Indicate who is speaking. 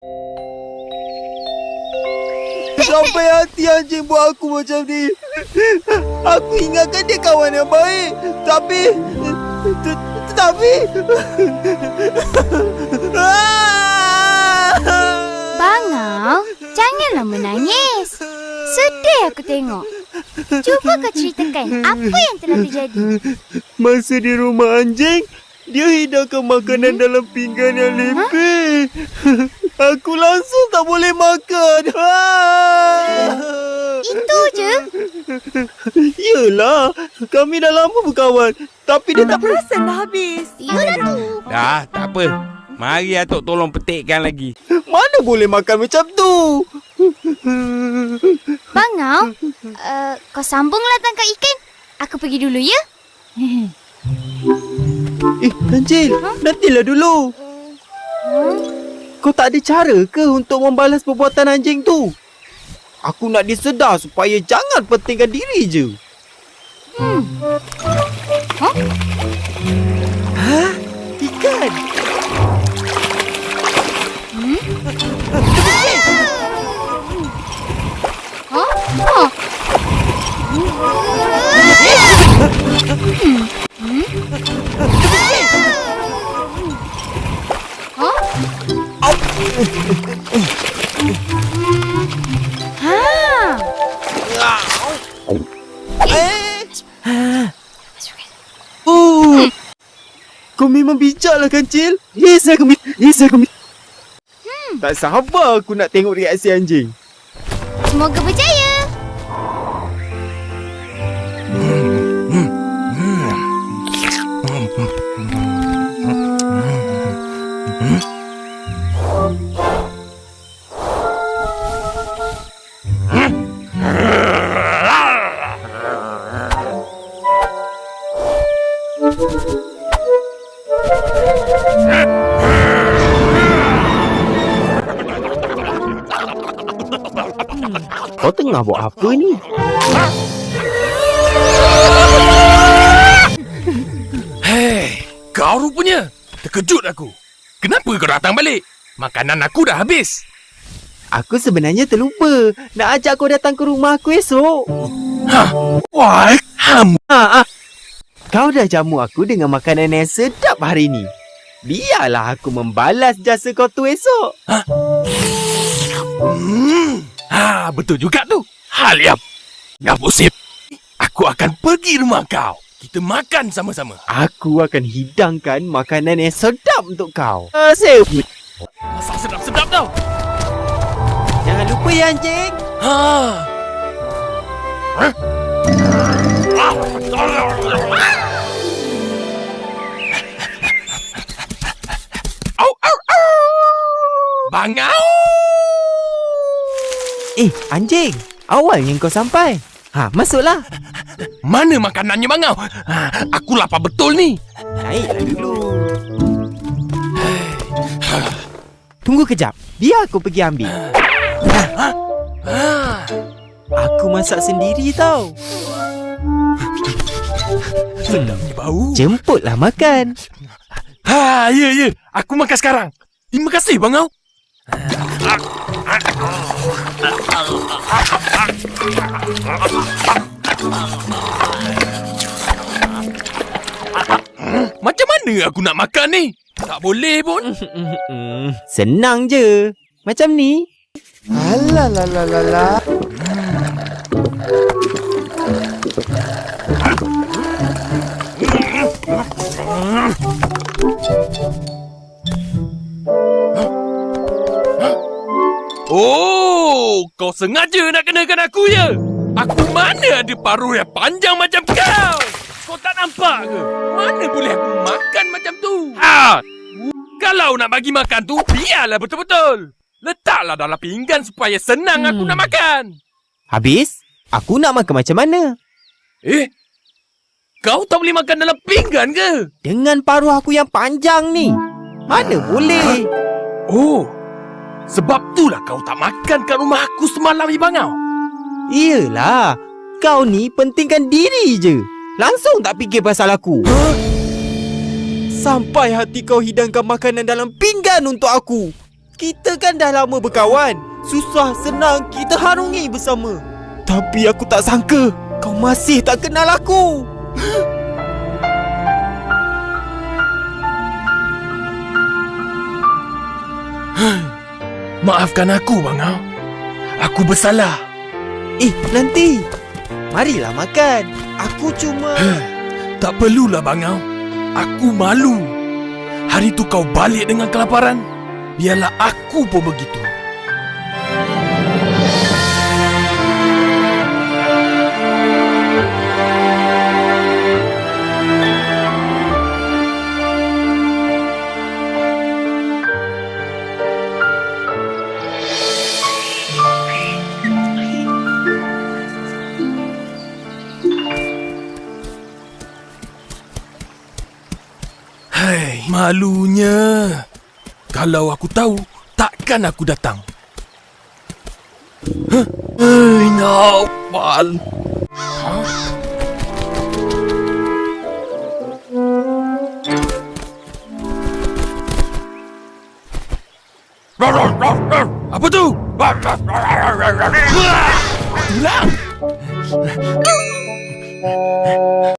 Speaker 1: Sampai hati anjing buat aku macam ni. Aku ingatkan dia kawan yang baik. Tapi
Speaker 2: Bangau, janganlah menangis. Sedih aku tengok. Cuba kau ceritakan apa yang telah terjadi.
Speaker 1: Masa di rumah anjing, dia hidangkan makanan dalam pinggan yang lepeh. Aku langsung tak boleh makan.
Speaker 2: Itu je?
Speaker 1: Yelah, kami dah lama berkawan. Tapi dia tak
Speaker 3: Perasan dah habis.
Speaker 2: Yalah tu.
Speaker 4: Dah, tak apa. Mari Atuk tolong petikkan lagi.
Speaker 1: mana boleh makan macam tu.
Speaker 2: Bangau, kau sambunglah tangkap ikan. Aku pergi dulu ya.
Speaker 1: Kancil, nantilah dulu. Kau tak ada cara ke untuk membalas perbuatan anjing tu? Aku nak disedar supaya jangan pentingkan diri je. Hah? Ikan? Kau memang bijaklah Kancil. Yes, aku tak sabar aku nak tengok reaksi anjing.
Speaker 2: Semoga berjaya.
Speaker 1: Kau tengah buat apa ni?
Speaker 5: Hei, kau rupanya. Terkejut aku. Kenapa kau datang balik? Makanan aku dah habis.
Speaker 1: Aku sebenarnya terlupa nak ajak kau datang ke rumah aku esok.
Speaker 5: Why?
Speaker 1: Kau dah jamu aku dengan makanan yang sedap hari ni. Biarlah aku membalas jasa kau tu esok.
Speaker 5: Betul juga tu. Hal yang positif. Aku akan pergi rumah kau. Kita makan sama-sama.
Speaker 1: Aku akan hidangkan makanan yang sedap untuk kau.
Speaker 5: Masak sedap-sedap tau.
Speaker 1: Jangan lupa ya anjing.
Speaker 5: Bangau!
Speaker 1: Anjing. Awalnya kau sampai. Masuklah.
Speaker 5: Mana makanannya Bangau? Aku lapar betul ni.
Speaker 1: Naiklah dulu. Tunggu kejap. Biar aku pergi ambil. Aku masak sendiri tau.
Speaker 5: Sedapnya bau.
Speaker 1: Jemputlah makan.
Speaker 5: Ya. Aku makan sekarang. Terima kasih Bangau. Macam mana aku nak makan ni? Tak boleh pun.
Speaker 1: Senang je. Macam ni. Alah.
Speaker 5: Oh, kau sengaja nak kenakan aku ya? Aku mana ada paruh yang panjang macam kau? Kau tak nampak ke? Mana boleh aku makan macam tu? Kalau nak bagi makan tu, biarlah betul-betul. Letaklah dalam pinggan supaya senang aku nak makan.
Speaker 1: Habis, aku nak makan macam mana?
Speaker 5: Kau tak boleh makan dalam pinggan ke?
Speaker 1: Dengan paruh aku yang panjang ni. Mana boleh?
Speaker 5: Oh, sebab itulah kau tak makan kat rumah aku semalam, Bangau.
Speaker 1: Iyalah, kau ni pentingkan diri je. Langsung tak fikir pasal aku. Sampai hati kau hidangkan makanan dalam pinggan untuk aku. Kita kan dah lama berkawan. Susah senang kita harungi bersama. Tapi aku tak sangka kau masih tak kenal aku.
Speaker 5: Maafkan aku, Bangau. Aku bersalah.
Speaker 1: Nanti. Marilah makan. Aku cuma...
Speaker 5: Tak perlulah, Bangau. Aku malu. Hari tu kau balik dengan kelaparan. Biarlah aku pun begitu. Hai, malunya. Kalau aku tahu, takkan aku datang. Hei, Naufal. Apa tu? Tulang.